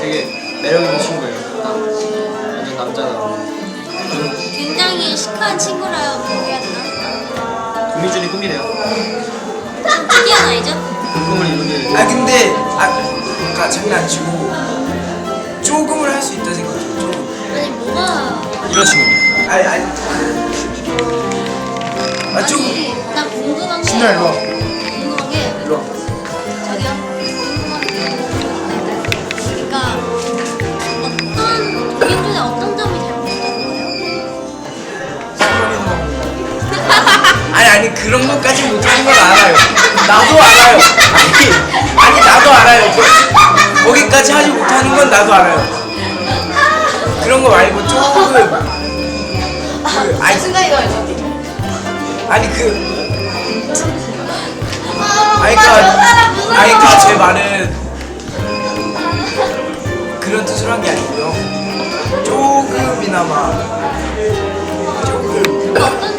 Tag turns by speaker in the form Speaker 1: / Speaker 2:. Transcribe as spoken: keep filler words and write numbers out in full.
Speaker 1: 되게 매력 있는 친구예요. 완전 남자다워.
Speaker 2: 굉장히 시크한 친구라고 해야 되나?
Speaker 1: 도미준이 꿈이래요.
Speaker 2: 좀 특이한 아이죠?
Speaker 1: 그 꿈을 이루게.
Speaker 3: 아 근데 아 그러니까 장난 안 치고 조금을 할 수 있다 생각해요. 조금.
Speaker 2: 아니 뭐가
Speaker 1: 이런 친구입니다.
Speaker 3: 아니 아니. 아 조금.
Speaker 2: 아니 나 궁금한 게
Speaker 3: 신나 일로 와.
Speaker 2: 궁금한 게
Speaker 3: 일로 와.
Speaker 2: 저기요 궁금한 게 그러니까 어떤 도민준의 어떤 점이 잘못됐다는 거예요?
Speaker 3: 아니 아니 그런 것까지 못하는 건 알아요. 나도 알아요. 아니 아니 나도 알아요. 거, 거기까지 하지 못하는 건 나도 알아요. 그런 거 말고 조금 그 아니
Speaker 2: 순간이동이
Speaker 3: 아니 그 아니 그니까 아니 그니까 제 말은 그런 뜻으로 한 게 아니고요. 조금이나마 조금
Speaker 2: 어떤